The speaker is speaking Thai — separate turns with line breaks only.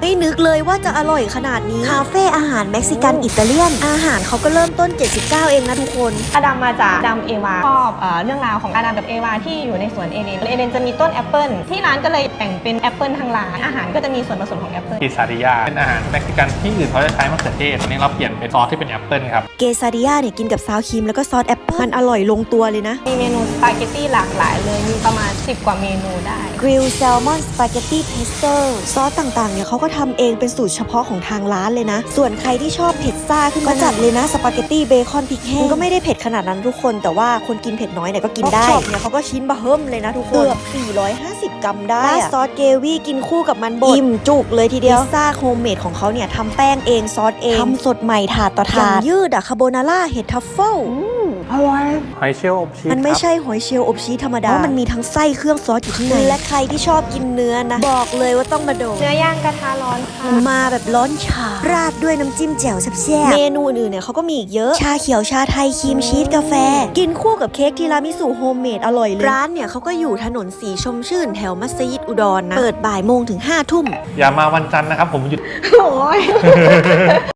ไม่นึกเลยว่าจะอร่อยขนาดนี้คาเฟ่อาหารเม็กซิกันอิตาเลียนอาหารเขาก็เริ่มต้น79เองนะทุกคน
อาดัมมาจากอาดัมเอวาชอบเรื่องราวของอาดัมกับเอวาที่อยู่ในสวนเอเดนจะมีต้นแอปเปิลที่ร้านก็เลยแต่งเป็นแอปเปิลทางร้านอาหารก็จะมีส่วนผสมของแอปเปิล
กิซาดิยาเป็นอาหารเม็กซิกันที่อื่นเขาจะใช้มะเขือเทศอันนี้เราเปลี่ยนเป็นซอสที่เป็นแอปเปิลครับ
เกซาดิยาเนี่ยกินกับซาวครีมแล้วก็ซอสแอปเปิลมันอร่อยลงตัวเลยนะ
มีเมนูสปาเกตตี้หลากหลายเลยมีประมาณ10 กว่าเมนูได้
กริลแซลมอนสปาเกตตี้เพสโต้ซอสต่างๆเนี่ยเขาก็ทำเองเป็นสูตรเฉพาะของทางร้านเลยนะส่วนใครที่ชอบเผ็ดซ่าขึ้นก็จัดเลยนะสปาเกตตี้เบคอนพริกแห้งก็ไม่ได้เผ็ดขนาดนั้นทุกคนแต่ว่าคนกินเผ็ดน้อยเนี่ยก็กินได้ช็อปเนี่ยเขาก็ชิ้นบะเฮิ่มเลยนะทุกคนเกือบ450 กรัมได้ซอสเกวี่กินคู่กับมันบดอิ่มจุกเลยทีเดียวพิซซ่าโฮมเมดของเขาเนี่ยทำแป้งเองซอสเองทำสดใหม่ถาดต่อถาดยืดอะคาโบนาร่าเห็ดทัฟเฟิล
อร่อย
หอยเชลล์อบชีส
มันไม่ใช่หอยเชลล์อบชีสธรรมดาเพราะมันมีทั้งไส้เครื่องซอสอยู่ข้างในและใครที่ชอบกินเนื้อนะบอกเลยว่าต้องมาโดน
เนื้อย่างกระทะร้อนค่ะ
มาแบบร้อนฉ่าราดด้วยน้ำจิ้มแจ่วแซ่บๆเมนูอื่นเนี่ยเขาก็มีอีกเยอะชาเขียวชาไทยครีมชีสกาแฟกินคู่กับเค้กทีรามิสุโฮมเมดอร่อยเลยร้านเนี่ยเขาก็อยู่ถนนสีชมชื่นแถวมัสยิดอุดรนะเปิดบ่ายโมงถึง5 ทุ่ม
อย่ามาวันจันทร์นะครับผมหยุด
โอ้ย